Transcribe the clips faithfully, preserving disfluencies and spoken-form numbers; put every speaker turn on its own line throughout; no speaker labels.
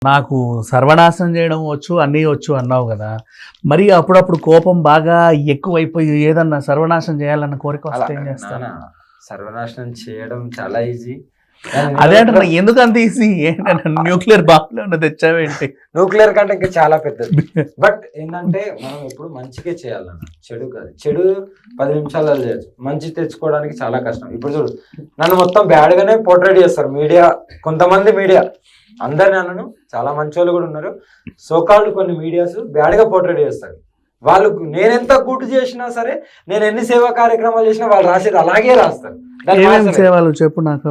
నాకు సర్వనాశనం చేయడం వచ్చు, అన్నీ వచ్చు అన్నావు కదా. మరి అప్పుడప్పుడు కోపం బాగా ఎక్కువైపోయి ఏదన్నా సర్వనాశనం చేయాలన్న కోరిక వస్తే ఏం చేస్తాను?
సర్వనాశనం చేయడం చాలా ఈజీ.
అదే అంటే ఎందుకు అంత ఈజీ? న్యూక్లియర్ బాంబులో తెచ్చావేంటి?
న్యూక్లియర్ కంటే ఇంకా చాలా పెద్దది. బట్ ఏంటంటే మనం ఎప్పుడు మంచిగా చేయాలన్న, చెడు కాదు. చెడు పది నిమిషాలలో చేయొచ్చు, మంచి తెచ్చుకోవడానికి చాలా కష్టం. ఇప్పుడు చూడు, నన్ను మొత్తం బ్యాడ్ గానే పోర్ట్రేట్ చేస్తారు మీడియా, కొంతమంది మీడియా. అందరిని అన్నను, చాలా మంచి వాళ్ళు కూడా ఉన్నారు. సోకాళ్ళు కొన్ని మీడియాస్ బ్యాడ్ గా పోర్ట్రేట్ చేస్తారు. వాళ్ళు నేనెంత గుడ్ చేసినా సరే, నేను ఎన్ని సేవా కార్యక్రమాలు చేసినా వాళ్ళు రాసేది అలాగే రాస్తారు.
సేవలు చెప్పు నాకు.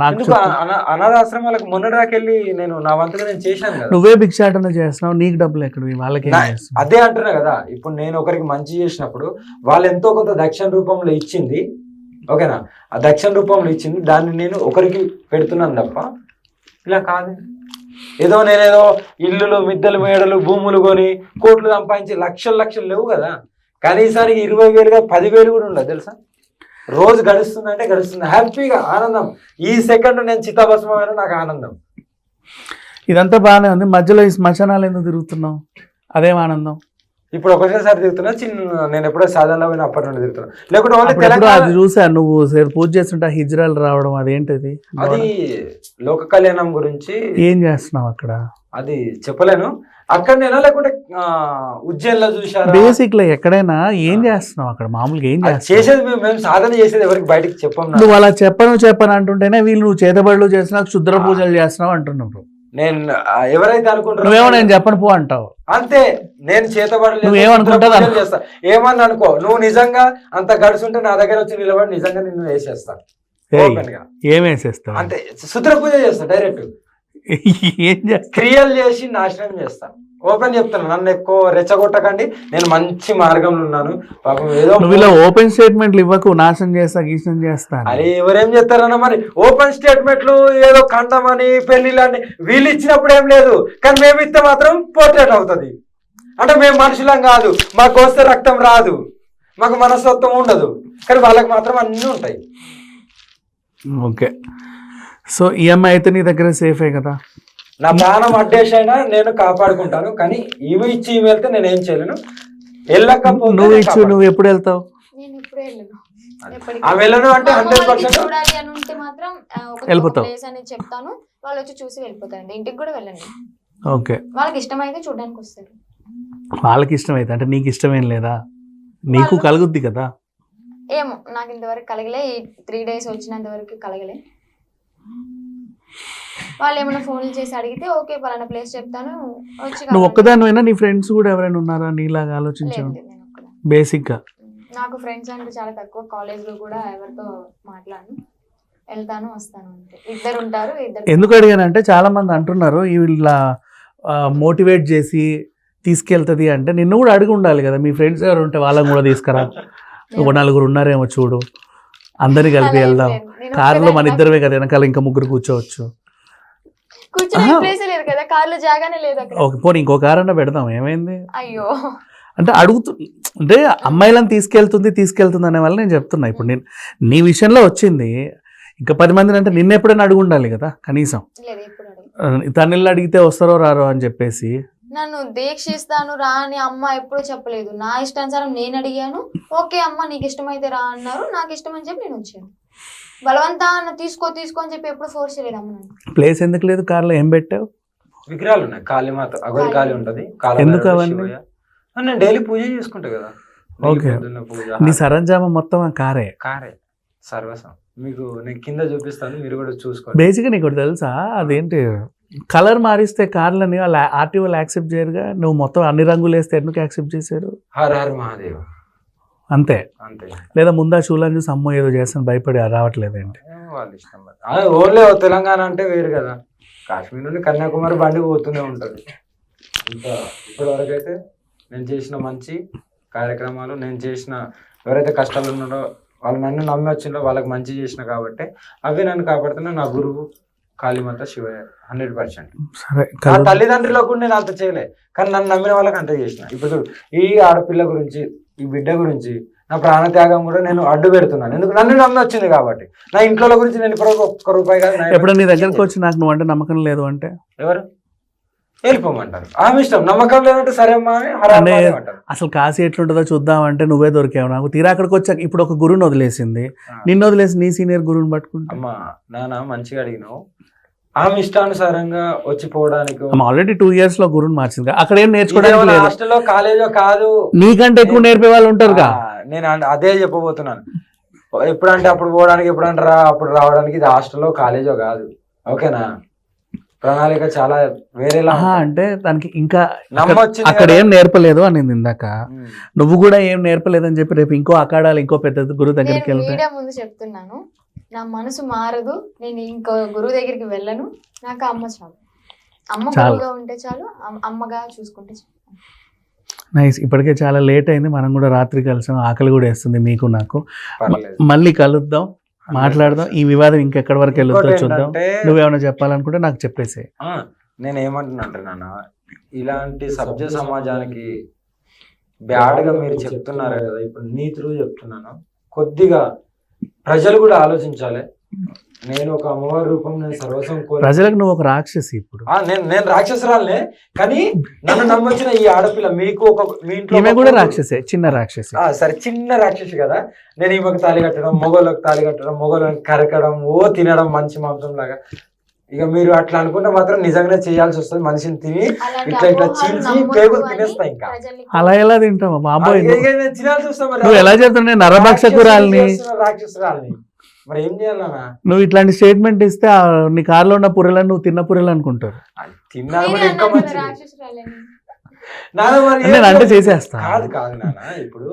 అనాథాశ్రమాలకు మొన్నటిదాకెళ్ళి నేను నా వంతుగా నేను చేశాను కదా.
నువ్వే భిక్షాటన చేస్తున్నావు, నీకు డబ్బులు ఎక్కడ? వాళ్ళకి
అదే అంటున్నా కదా. ఇప్పుడు నేను ఒకరికి మంచి చేసినప్పుడు వాళ్ళు ఎంతో కొంత దక్షిణ రూపంలో ఇచ్చింది, ఓకేనా? ఆ దక్షిణ రూపంలో ఇచ్చింది, దాన్ని నేను ఒకరికి పెడుతున్నాను తప్ప ఇలా కాదు. ఏదో నేనేదో ఇల్లులు, మిద్దెలు, మేడలు, భూములు కొని కోట్లు సంపాదించి లక్షలు లక్షలు లేవు కదా. కనీసానికి ఇరవై వేలుగా పదివేలు కూడా ఉండదు తెలుసా. రోజు గడుస్తుందంటే గడుస్తుంది, హ్యాపీగా ఆనందం. ఈ సెకండ్ నేను చిత్తాభస్మైన నాకు ఆనందం.
ఇదంతా బాగానే ఉంది, మధ్యలో ఈ శ్మశానాలు ఎందుకు తిరుగుతున్నావు? అదేం ఆనందం?
ఇప్పుడు ఒకటేసారి తిరుగుతున్నా, చిన్న నేను ఎప్పుడో సాధారణ పోయిన అప్పటి నుండి తిరుగుతున్నా. లేకుంటే
అది చూసా నువ్వు పూజ చేస్తుంటే హిజ్రాలు రావడం, అదేంటిది?
అది లోక కళ్యాణం గురించి.
ఏం చేస్తున్నావు అక్కడ?
అది చెప్పలేను. అక్కడ నేను లేకుంటే ఉజ్జయిన్ లో చూసాను.
బేసిక్ లో ఎక్కడైనా ఏం చేస్తున్నావు అక్కడ? మామూలుగా ఏం చేస్తావు?
చేసేది మేము సాధన చేసేది ఎవరికి బయటకి చెప్పాము.
నువ్వు అలా చెప్పను చెప్పను అంటుంటేనే వీళ్ళు నువ్వు చేతబడులు చేస్తున్నావు, క్షుద్ర పూజలు చేస్తున్నావు అంటున్నావు.
నేను ఎవరైతే అనుకుంటున్నా
నువ్వేమో నేను చెప్పను పో అంటావు
అంతే. నేను చేతబడలేదు,
నువ్వేమనుకుంటా
చేస్తా. ఏమని అనుకో, నువ్వు నిజంగా అంత గడుచుంటే నా దగ్గర వచ్చి నిలబడి నిజంగా నిన్ను వేసేస్తా.
ఏం వేసేస్తావు?
అంతే, శుద్ర పూజ చేస్తా డైరెక్ట్.
ఏం చేస్తా?
క్రియలు చేసి నాశనం చేస్తా. ఓపెన్ చెప్తాను, నన్ను ఎక్కువ రెచ్చగొట్టకండి, నేను మంచి మార్గంలో ఉన్నాను. పాపం ఏదో
నువ్వు ఇలా ఓపెన్ స్టేట్మెంట్లు ఇవ్వకు, నాశనం చేస్తా గీసం చేస్తా.
అరే ఎవరేం చేస్తారన్న మరి ఓపెన్ స్టేట్మెంట్లు, ఏదో కండమని పెళ్లిళ్ళని వీళ్ళు ఇచ్చినప్పుడు ఏం లేదు, కానీ మేము ఇస్తే మాత్రం పోర్ట్రేట్ అవుతుంది. అంటే మేము మనుషులం కాదు, మాకు వస్తే రక్తం రాదు, మాకు మనస్తత్వం ఉండదు, కానీ వాళ్ళకి మాత్రం అన్నీ ఉంటాయి.
ఓకే, సో ఈఎంఐ అయితే నీ దగ్గర సేఫే కదా?
నా ప్రాణం అడ్డేసైనా నేను కాపాడుకుంటాను, కానీ ఇవి ఇచ్చి ఇవి వెళ్తే నేను ఏం చేయలేను. వెళ్ళకపోతే
నువ్వు ఇచ్చి నువ్వు ఎప్పుడు వెళ్తావు?
ఆ వెళ్ళను అంటే హండ్రెడ్ పర్సెంట్
వెళ్ళిపోతావు.
చెప్తాను, వాళ్ళు వచ్చి చూసి వెళ్ళిపోతారు. ఇంటికి కూడా వెళ్ళండి.
ఓకే,
వాళ్ళకి ఇష్టమైతే చూడడానికి వస్తారు.
వాళ్ళకి ఇష్టమైతే అంటే నీకు ఇష్టమేం లేదా? నీకు కలుగుద్ది కదా.
ఏమో నాకు ఇంతవరకు కలగలే, ఈ త్రీ డేస్ వచ్చినంత వరకు కలగలే. వాళ్ళు ఏమైనా ఫోన్లు చేసి అడిగితే ఓకే పలానా ప్లేస్ చెప్తాను వచ్చి.
నువ్వు ఒక్కదానివైనా నీ ఫ్రెండ్స్ కూడా ఎవరైనా ఉన్నారా నీలాగా ఆలోచించావు? బేసిక్ గా
నాకు ఫ్రెండ్స్ అంటే చాలా తక్కువ. కాలేజ్ లో కూడా ఎవరితో మాట్లాడను, వెళ్తాను వస్తాను అంతే. ఇద్దరు ఉంటారు. ఇద్దరు
ఎందుకు అడిగానంటే చాలా మంది అంటున్నారు ఇలా మోటివేట్ చేసి తీసుకెళ్తుంది అంటే నిన్ను కూడా అడిగి ఉండాలి కదా, మీ ఫ్రెండ్స్ ఎవరు ఉంటే వాళ్ళని కూడా తీసుకురా, ఒక నలుగురు ఉన్నారేమో చూడు, అందరినీ కలిపి వెళ్దాం. కారులో మన ఇద్దరమే కదా, వెనకాల ఇంకా ముగ్గురు కూర్చోవచ్చు. ఓకే పోనీ ఇంకో కారు అన్నా పెడదాం, ఏమైంది?
అయ్యో
అంటే అడుగుతు అంటే అమ్మాయిలను తీసుకెళ్తుంది తీసుకెళ్తుంది అనే వల్ల నేను చెప్తున్నా. ఇప్పుడు నేను నీ విషయంలో వచ్చింది, ఇంకా పది మందిని అంటే నిన్న ఎప్పుడైనా అడుగు ఉండాలి కదా కనీసం. తనని అడిగితే వస్తారో రారో అని చెప్పేసి.
నన్ను దీక్షిస్తాను రా అని అమ్మ ఎప్పుడు చెప్పలేదు. నా ఇష్టానుసారం నేను అడిగాను, ఓకే అమ్మ నీకు ఇష్టమైతే రా అన్నారు, నాకు ఇష్టం అని చెప్పి నేను వచ్చాను. బలవంతా తీసుకో తీసుకో అని చెప్పి ఎప్పుడు ఫోర్స్ చేయలేదు అమ్మ.
ప్లేస్ ఎందుకు లేదు కార్లో? ఏం పెట్టావు?
విగ్రహాలు ఉన్నాయి, కాళీమాత అగోరి కాళీ ఉంటది.
ఎందుకు అవన్నీ?
నేను డైలీ పూజ చేసుకుంటా కదా.
ఓకే, నీ సరంజామా మొత్తం ఆ కారే?
కారే సర్వసం. మీకు నేను కింద చూపిస్తాను, మీరు కూడా చూసుకోండి.
బేసిక్గా నీకు తెలుసా, అదేంటి కలర్ మారిస్తే కార్లని ఆర్టీఓలు యాక్సెప్ట్ చేయరుగా, నువ్వు మొత్తం అన్ని రంగులు వేస్తే ఎందుకు యాక్సెప్ట్ చేశారు?
హర హర మహాదేవ్
అంతే
అంతే.
లేదా ముందా చూలని చూసి అమ్మో ఏదో చేస్తాను భయపడి రావట్లేదు ఏంటి?
వాళ్ళ ఇష్టం. ఓన్లీ తెలంగాణ అంటే వేరు కదా, కాశ్మీర్ నుండి కన్యాకుమారి బండి పోతూనే ఉంటుంది. ఇంకా ఇప్పటి వరకు అయితే నేను చేసిన మంచి కార్యక్రమాలు, నేను చేసిన ఎవరైతే కష్టాలు ఉన్నారో వాళ్ళు నన్ను నమ్మి వచ్చిందో వాళ్ళకి మంచి చేసిన కాబట్టి అవి నన్ను కాపాడుతున్నా. నా గురువు కాళీమాత శివయ్య హండ్రెడ్ పర్సెంట్. నా తల్లిదండ్రులు కూడా నేను అంత చేయలే, కానీ నన్ను నమ్మిన వాళ్ళకి అంత చేసిన. ఇప్పుడు ఈ ఆడపిల్ల గురించి, ఈ బిడ్డ గురించి నా ప్రాణత్యాగం కూడా నేను అడ్డు పెడుతున్నాను, ఎందుకు నన్ను నమ్మి వచ్చింది కాబట్టి. నా ఇంట్లో గురించి నేను ఇప్పుడు ఒక్క రూపాయి కాదు.
ఎప్పుడు నీ దగ్గరకు వచ్చి నాకు నువ్వు అంటే నమ్మకం లేదు అంటే
ఎవరు వెళ్ళిపోమంటారు. ఆమె ఇష్టం. నమ్మకం లేదంటే సరే అమ్మా అని హరామ్
అంటే
అంటారు.
అసలు కాశీ ఎట్లుంటుందో చూద్దామంటే నువ్వే దొరికావు నాకు. తీరా అక్కడికి వచ్చాక ఇప్పుడు ఒక గురువుని వదిలేసింది, నిన్ను వదిలేసి నీ సీనియర్ గురువుని పట్టుకుంటా.
అమ్మా నాన్న మంచిగా అడిగినావు. ఆమె ఇష్టానుసారంగా వచ్చిపోవడానికి
ఆల్రెడీ టూ ఇయర్స్ లో గురువుని మార్చింది, అక్కడ ఏం నేర్చుకోవడానికి లేదు.
హాస్టల్లో కాలేజో కాదు,
నీకంటే ఎక్కువ నేర్పే వాళ్ళు ఉంటారుగా.
ఆ, నేను అన్- అదే చెప్పబోతున్నాను. ఎప్పుడంటే అప్పుడు పోవడానికి, ఎప్పుడంటే రా అప్పుడు రావడానికి. ఇది హాస్టల్లో కాలేజో కాదు, ఓకేనా? ప్రణాళిక చాలా వేరేలా
ఆహా,
ఉంటుంది.
అంటే దానికి ఇంకా
నమ్మొచ్చింది
అక్కడ
కదా.
ఏం నేర్పలేదు అని ఇందాక.
ఉమ్.
నువ్వు కూడా ఏం నేర్పలేదని చెప్పి రేపు ఇంకో అకాడాలి ఇంకో పెద్ద గురువు దగ్గరికి
నేను
వెళ్తే
మీడియా ముందు చెప్తున్నాను, నా మనసు మారదు, నేను ఇంకో గురువు దగ్గరికి వెళ్ళను. నాకు అమ్మ చాలు, అమ్మ
చాలు.
గురువుగా ఉంటే చాలు, అమ్- అమ్మగా చూసుకుంటే చాలు.
నైస్. ఇప్పటికే చాలా లేట్ అయింది, మనం కూడా రాత్రి కలిసాం, ఆకలి కూడా వేస్తుంది మీకు నాకు.
పర్లేదు.
మళ్ళీ కలుద్దాం, మాట్లాడదాం. ఈ వివాదం ఇంకెక్కడి వరకు వెళ్తుందో
ఇంకోటి
చూద్దాం.
ఏంటంటే,
నువ్వేమైనా చెప్పాలనుకుంటే నాకు చెప్పేసి.
ఆ, నేను ఏమంటున్నా నాన్న, ఇలాంటి సభ్య సమాజానికి బ్యాడ్ గా మీరు చెప్తున్నారు కదా, ఇప్పుడు నీ త్రూ చెప్తున్నాను. కొద్దిగా ప్రజలు కూడా ఆలోచించాలి. నేను ఒక అమ్మవారి రూపం, నేను సర్వస్వం కోరి
ప్రజలకు నువ్వు ఒక రాక్షసి ఇప్పుడు.
ఆ, నేను నేను రాక్షసురాలనే, కానీ నన్ను నమ్మొచ్చిన ఈ ఆడపిల్ల, మీకు ఒక మీ ఇంట్లో
ఈమె
ఒక
కూడా
కూతురు.
రాక్షసే, చిన్న రాక్షసి.
ఆ, సరే చిన్న రాక్షసి కదా. నేను ఈమెకు తాళి కట్టడం, మొగోళ్ళకి తాళి కట్టడం, మొగోళ్ళని కరకడం, ఓ తినడం మంచి మాంసం లాగా. ఇక మీరు అట్లా అనుకుంటే మాత్రం నిజంగానే చేయాల్సి వస్తుంది. మనిషిని తిని
అలాంటి
ఇట్లా ఇట్లా
అపోహలు
చీల్చి
నమ్మొద్దు
పేగులు
అని
తినేస్తా ఇంకా.
ప్రజల్ని
అలా ఎలా తింటావా బాబోయ్?
ఇక- ఇక నేను తినాల్సి వస్తా మరి.
నువ్వు ఎలా చెప్తున్నావు? నేను నరభక్షకురాల్ని.
రాక్షసుని రాక్షసురాల్ని మరి ఏం చేయాలన్నా?
నువ్వు ఇట్లాంటి స్టేట్మెంట్ ఇస్తే ఆ నీ కారులో ఉన్న పుర్రెలను నువ్వు తిన్న పుర్రెలు అనుకుంటారు.
తిన్నా
మీరే
కూడా ఇంకా
అన్నారు కదా
మంచిది.
రాక్షసురాలని.
నాన్న మరి ఏం
నేను అంటే
చేయాలి?
చేసేస్తా.
కాదు కాదు నాన్న, ఇప్పుడు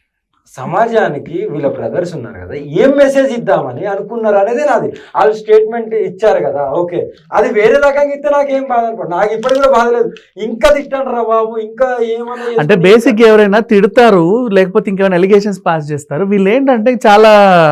సమాజానికి వీళ్ళ బ్రదర్స్ ఉన్నారు కదా, ఏం మెసేజ్ ఇద్దామని అనుకున్నారు అనేది నాది. వాళ్ళు స్టేట్మెంట్ ఇచ్చారు కదా, ఓకే. అది వేరే రకంగా ఇస్తే నాకేం బాధ అనుకో, నాకు ఇప్పటికి కూడా బాధ లేదు. ఇంకా తిట్టండి రా బాబు, ఇంకా ఏమన్నా
అంటే
చేసుకొని
బేసిక్ ఎవరైనా తిడతారు, లేకపోతే ఇంకేమైనా ఎలిగేషన్స్ పాస్ చేస్తారు. వీళ్ళు ఏంటంటే చాలా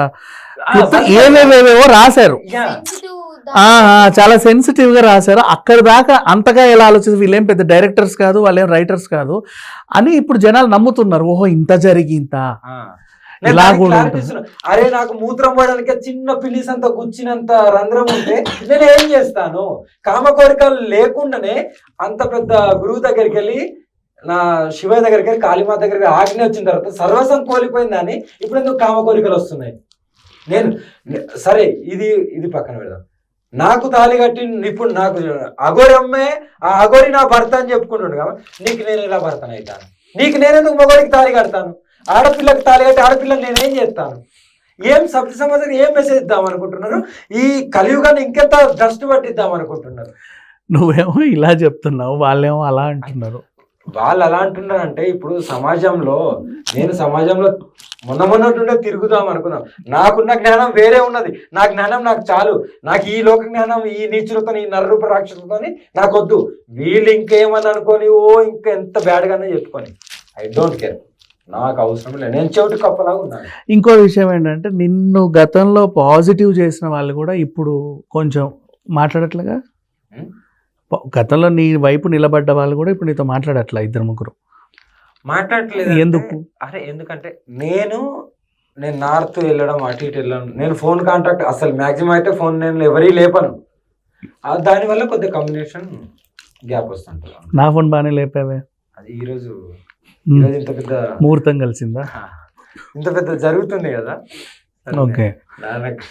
ఆ,
మొత్తం ఏవేవేవేవో రాశారు.
యా.
Sensitive
ఆ, ఆ,
దాని-
చాలా సెన్సిటివ్ గా రాశారు. అక్కడ దాకా అంతగా ఎలా ఆలోచిస్తారు, వీళ్ళేం పెద్ద డైరెక్టర్స్ కాదు, వాళ్ళేం రైటర్స్ కాదు అని ఇప్పుడు జనాలు నమ్ముతున్నారు. ఓహో ఇంత జరిగి ఇంత
ఆ. నేను
ఇలా
దానికి
కూడా
clarity
ఉంటుంది.
ఇస్తున్నా. అరే నాకు మూత్రం పోయడానికి చిన్న పిల్లిస్ అంత గుచ్చినంత రంధ్రం ఉంటే నేను ఏం చేస్తాను? కామ కోరికలు లేకుండానే అంత పెద్ద గురువు దగ్గరికి వెళ్ళి, నా శివయ్య దగ్గరికి వెళ్ళి, కాళీమాత దగ్గరికి ఆజ్ఞ వచ్చిన తర్వాత సర్వస్వం కోల్పోయిందని ఇప్పుడు ఎందుకు కామ కోరికలు వస్తున్నాయి? నేను నే- సరే ఇది ఇది పక్కన పెడదాం. నాకు తాళి కట్టి ఇప్పుడు నాకు అగోరి అమ్మే, ఆ అగోరి నా భర్త అని చెప్పుకుంటుండు కదా, నీకు నేను ఎలా భర్తను అవుతాను? నీకు నేనెందుకు మగోడికి తాళి కడతాను? ఆడపిల్లకి తాళి కట్టి ఆడపిల్లని నేనేం చేస్తాను? ఏం సభ్య సమాజానికి ఏం మెసేజ్ ఇద్దాం అనుకుంటున్నారు? ఈ కలియుగాన్ని ఇంకెంత డస్ట్ పట్టిద్దాం అనుకుంటున్నారు?
నువ్వేమో ఇలా చెప్తున్నావు, వాళ్ళేమో అలా అంటున్నారు.
వాళ్ళు అలా అంటున్నారంటే, ఇప్పుడు సమాజంలో నేను సమాజంలో మొన్న మొన్నటుండే తిరుగుదాం అనుకున్నాం. నాకున్న జ్ఞానం వేరే ఉన్నది. నా జ్ఞానం నాకు చాలు. నాకు ఈ లోక జ్ఞానం, ఈ నీచులతో, ఈ నరరూప రాక్షసులతో నాకు వద్దు. వీళ్ళు ఇంకేమని అనుకొని ఓ ఇంకా ఎంత బ్యాడ్గానే చెప్పుకొని, ఐ డోంట్ కేర్, నాకు అవసరం లేదు. నేను చెవిటి కప్పలాగా ఉన్నాను.
ఇంకో విషయం ఏంటంటే, నిన్ను గతంలో పాజిటివ్ చేసిన వాళ్ళు కూడా ఇప్పుడు కొంచెం మాట్లాడట్లేగా.
ఉం?
ప- గతంలో నీ వైపు నిలబడ్డ వాళ్ళు కూడా ఇప్పుడు నీతో మాట్లాడట్లా, ఇద్దరు ముగ్గురు.
మాట్లాడట్లేదు.
ఎందుకు?
అరే ఎందుకంటే నేను నేను నార్త్ వెళ్ళడం, అటు ఇటు వెళ్ళడం, నేను ఫోన్ కాంటాక్ట్ అసలు మ్యాక్సిమం అయితే ఫోన్ నేను ఎవరీ లేపను. ఆ, దానివల్ల కొద్దిగా కమ్యూనికేషన్ గ్యాప్ వస్తుంటుంది.
నా ఫోన్ బాగానే లేపావే.
అది ఈరోజు
ఉమ్.
ఈరోజు ఇంత పెద్ద
ముహూర్తం కలిసిందా?
ఇంత పెద్ద జరుగుతుంది కదా.
ఓకే
నాకు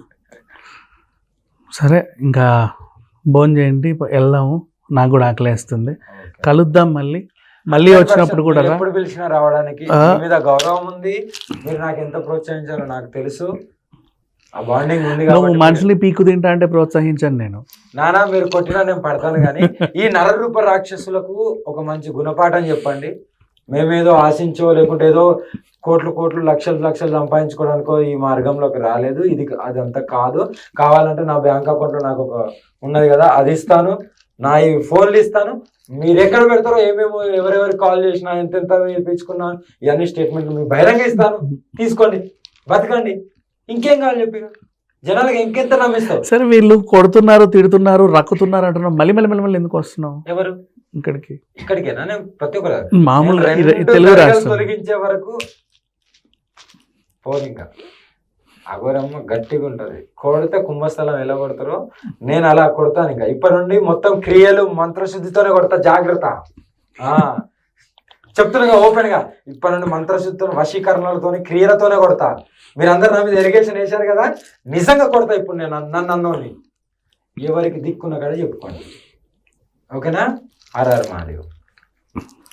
సరే, ఇంకా భోజనం చేయండి, వెళ్దాము. నాకు కూడా ఆకలేస్తుంది. కలుద్దాం మళ్ళీ. మళ్ళీ వచ్చినప్పుడు కూడా రా.
ఎప్పుడు పిలిచినా రావడానికి
ఆ.
మీ మీద గౌరవం ఉంది. మీరు నాకు ఎంత ప్రోత్సహించారో నాకు తెలుసు. ఆ బాండింగ్ ఉంది
నువ్వు
కాబట్టి
మనుషుల్ని పీకు తింటా అంటే ప్రోత్సహించాను నేను.
నానా మీరు కొట్టినా నేను పడతాను, కానీ ఈ నరరూప రాక్షసులకు ఒక మంచి గుణపాఠం చెప్పండి. మేమేదో ఆశించో లేకుంటే ఏదో కోట్లు కోట్లు లక్షలు లక్షలు సంపాదించుకోవడానికో ఈ మార్గంలోకి రాలేదు. ఇది అదంతా కాదు. కావాలంటే నా బ్యాంక్ అకౌంట్లో నాకు ఒక ఉన్నది కదా, అది ఇస్తాను. నా ఈ ఫోన్లు ఇస్తాను. మీరు ఎక్కడ పెడతారో, ఏమేమో ఎవరెవరికి కాల్ చేసినా, ఎంతెంత ఇప్పించుకున్నా, ఇవన్నీ స్టేట్మెంట్లు మీకు బహిరంగ ఇస్తాను. తీసుకోండి, బతకండి. ఇంకేం కావాలి చెప్పి జనాలకు ఇంకెంత నమ్మిస్తావు?
సరే, వీళ్ళు కొడుతున్నారు, తిడుతున్నారు, రక్కుతున్నారు అంటున్నావు. మళ్ళీ మళ్ళీ మళ్ళీ మళ్ళీ ఎందుకు వస్తున్నావు
ఎవరు
ఇక్కడికి?
ఇక్కడికేనా? నేను ప్రతి ఒక్కరు
మామూలుగా
నేను
ఈ
రెండు
తెలుగు
గడగలు
రాష్ట్రం
తొలగించే వరకు పోదు ఇంకా. అఘోరమ్మ గట్టిగా ఉంటది, కొడితే కుంభస్థలం ఎలా కొడతారో నేను అలా కొడతాను. ఇంకా ఇప్పటి నుండి మొత్తం క్రియలు మంత్రశుద్ధితోనే కొడతా, జాగ్రత్త. ఆ చెప్తున్నా ఓపెన్ గా, ఇప్పటి నుండి మంత్రశుద్ధితో వశీకరణలతో క్రియలతోనే కొడతా. మీరందరూ నా మీద ఎలిగేషన్ వేశారు కదా, నిజంగా కొడతా ఇప్పుడు నేను నన్ను అన్నోని. ఎవరికి దిక్కున్న కదా చెప్పుకోండి, ఓకేనా? హర హర మహాదేవ్.